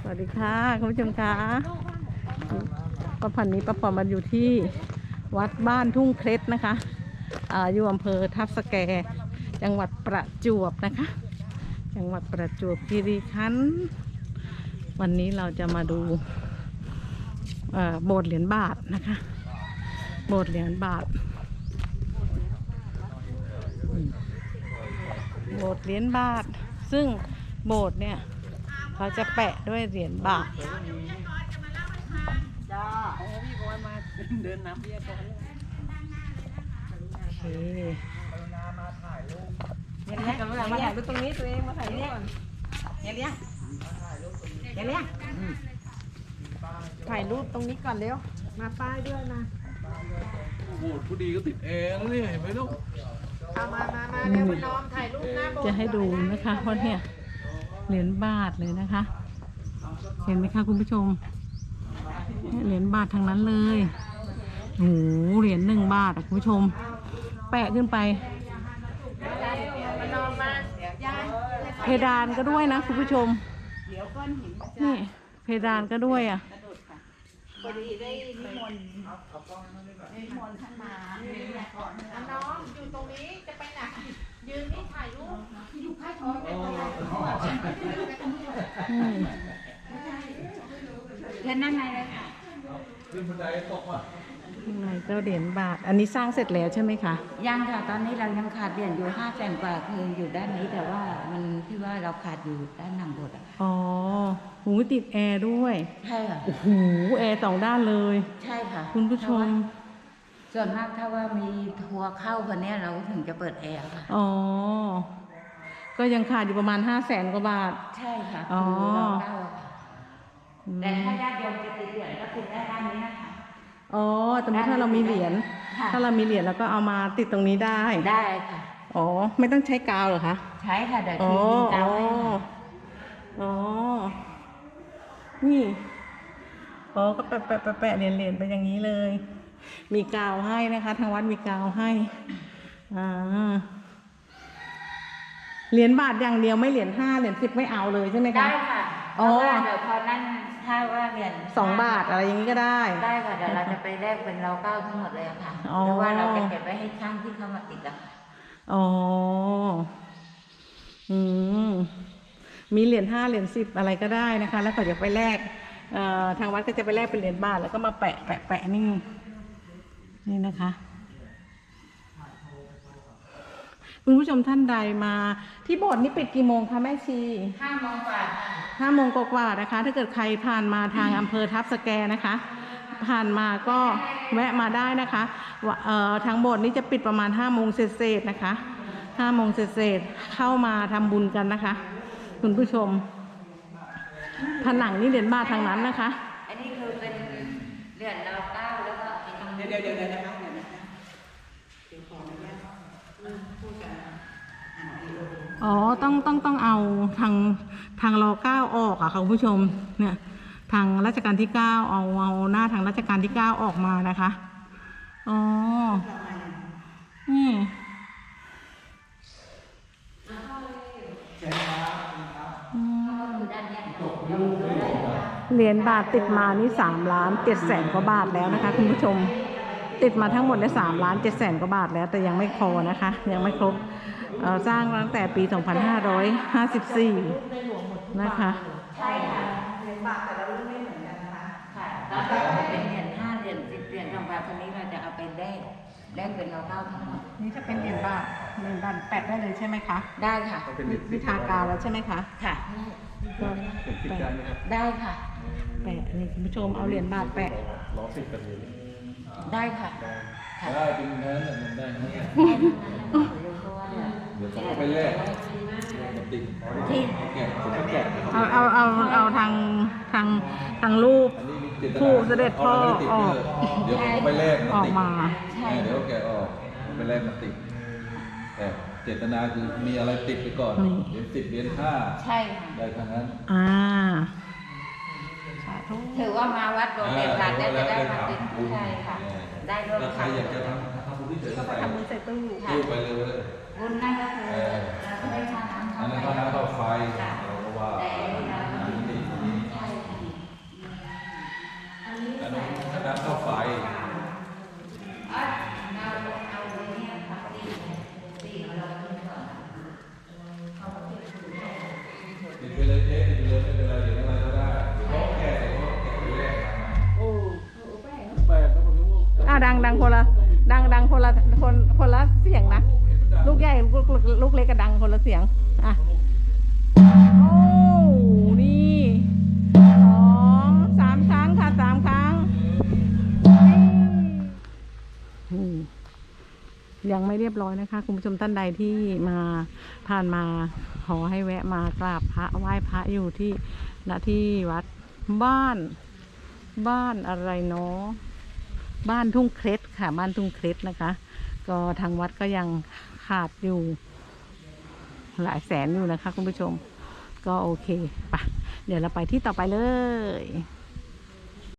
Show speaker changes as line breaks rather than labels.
วัสดีค่ะคุณผู้ชมคะป้าพันนี้ป้าปอมมาอยู่ที่วัดบ้านทุ่งเคล็ดนะคะอยู่อำเภอทับสแกจังหวัดประจวบนะคะจังหวัดประจวบคีรีขันธ์วันนี้เราจะมาดูโบสถ์เหรียญบาทนะคะโบสถ์เหรียญบาทโบสถ์เหรียญบาทซึ่งโบสถ์เนี่ยเขาจะแปะด้วยเหรียญบาทจ้าพี่บอยมาเดินน้ำเบี้ยก่อนโอเคมาถ่ายรูปเนี่ยมาถ่ายรูปตรงนี้ตัวเองมาถ่ายรูปก่อนเนี่ยเลี้ยงถ่ายรูปตรงนี้ก่อนเร็วมาป้ายด้วยนะ
โอ้โหผู้ดีก็ติดแอร์แล้วเนี่ยเห็นไหมลูก
มาเร็วน้องถ่ายรูปหน้าโบสถ์
จะให้ดูนะคะเพราะเนี่ยเหรียญบาทเลยนะคะเห็นไหมคะคุณผู้ชมเหรียญบาททางนั้นเลยโอ้โหเหรียญ1 บาทคุณผู้ชมแปะขึ้นไปเพดานก็ด้วยนะคุณผู้ชมนี่เพดานก็ด้วยอ่ะ
พอดีได้นิมนต์ท่านมาน้องอยู่ตรงนี้จะไปไหนยืนนี่ถ่ายรูปอยู่ใต้ท้องเดินนั่งไงเลยค่ะ
ขึ้นบันไดตกว่ะ
ข้างในก็เหรียญบาทอันนี้สร้างเสร็จแล้วใช่ไหมคะ
ยังค่ะตอนนี้เรายังขาดเหรียญอยู่500,000 กว่าคืออยู่ด้านนี้แต่ว่ามันที่ว่าเราขาดอยู่ด้านหลังโบสถ์
อ๋อหูติดแอร์ด้วย
ใช่ค่ะ
โอ้โหแอร์2 ด้านเลย
ใช่ค่ะ
คุณผู้ชม
ส่วนมากถ้าว่ามีทัวร์เข้าคนนี้เราถึงจะเปิดแอร์ค่ะ
อ๋อก็ยังขาดอยู่ประมาณ500,000 กว่าบาท
ใช่ค่ะ
อ๋อ
แต่ถ้าญาติโยมจะติดเหรียญก็ติดได้ด้านนี้นะคะ
อ๋อสมมติถ้าเรามีเหรียญเราก็เอามาติดตรงนี้ได้
ค่ะ
อ๋อไม่ต้องใช้กาวเหรอคะ
ใช้ค่ะเดี๋ยวทียิงกาวให้
อ๋อนี่อ๋อก็แปะเหรียญไปอย่างนี้เลยมีกาวให้นะคะทางวัดมีกาวให้เหรียญบาทอย่างเดียวไม่เหรียญ5 เหรียญ10ไม่เอาเลยใช่ไหมคะ
ได้ค่ะอ๋อเดี๋ยวพอนั่นถ้าว่าเหรียญ
2 บาทอะไรอย่างนี้ก็ได้
ค่ะเดี๋ยวเราจะไปแลกเป็นเรา9ทั้งหมดเลยค่ะหรือว่าเราจะเก็บไว้ให้ช่างที่เข้ามาติดอะ
อ๋อมีเหรียญ5 เหรียญ10อะไรก็ได้นะคะแล้วก็จะไปแลกทางวัดก็จะไปแลกเป็นเหรียญบาทแล้วก็มาแปะนี่นะคะคุณผู้ชมท่านใดมาที่โบสถ์นี่ปิดกี่โมงคะแม่ชี
5 โมงกว่า
5 โมงกว่านะคะถ้าเกิดใครผ่านมาทางอำเภอทับสแกนะคะผ่านมาก็แวะมาได้นะคะทางโบสถ์นี้จะปิดประมาณ5 โมงเศษนะคะ5 โมงเศษเข้ามาทำบุญกันนะคะคุณผู้ชมผนังนี่เหรียญบาททางนั้นนะคะ
อันนี้คือเป็นเหรียญเรา9แล้วก็เดี๋ยวนะคะ
อ๋อต้องเอาทางร9ออกอะค่ะคุณผู้ชมเนี่ยทางรัชกาลที่9เอาหน้าทางรัชกาลที่9ออกมานะคะอ๋อนี่เหรียญบาทติดมานี่3,700,000 กว่าบาทแล้วนะคะคุณผู้ชมติดมาทั้งหมดได้3,700,000 กว่าบาทแล้วแต่ยังไม่พอนะคะยังไม่ครบสร้างตั้งแต่ปี 2554 นะคะ
ใช่ค่ะเหรียญบาทแต่ละรุ่นไม่เหมือนกันนะคะค่ะแล้วก็เป็นเหรียญ5 เหรียญ10 เหรียญ2 บาทคนนี้เราจะเอาไปแลกเป็นเรา9ทั้งหมด
นี่จะเป็นเหรียญบาทแปะได้เลยใช่ไหมคะ
ได้ค่ะ
วิทากาวแล้วใช่ไหมคะ
ค่ะได้ค่ะ
แปะนี่คุณผู้ชมเอาเหรียญบาทแปะ
ล้อติดกันเลย
ได้ค่ะ
ได้เป็นเนื้อมันได้เดี๋ยวต้องไปแลกติดแกะ
เอาทางรูปผู้เสด็จพ่อออก
เดี๋ยวผมไปแลก
ออกมา
เดี๋ยวแกะออกไปแลกมาติดแต่เจตนาคือมีอะไรติดไปก่อนเหรียญ10 เหรียญ5
ใช่
ได้ทั้งนั้น
ถือว่ามาวัดโบสถ์เหรียญบาทจะได้มาติดใช่ค่ะได้ด้วย
ใครอยากจะทำบุญที่เฉยๆ
ทำบุญใส่ตู้
ไปเลย
บุญนั่นก็คือเราได้ค่าน้ำ
ค่าไฟเราก็ว่า
แต่เราไม่ได้
โอ้นี่2-3 ครั้งค่ะ3 ครั้งนี่ยังไม่เรียบร้อยนะคะคุณผู้ชมท่านใดที่มาผ่านมาขอให้แวะมากราบพระไหว้พระอยู่ที่ณที่วัดบ้านอะไรเนาะบ้านทุ่งเคล็ดค่ะบ้านทุ่งเคล็ดนะคะ ก็ทางวัดก็ยังขาดอยู่หลายแสนอยู่นะคะคุณผู้ชมก็โอเคปะเดี๋ยวเราไปที่ต่อไปเลย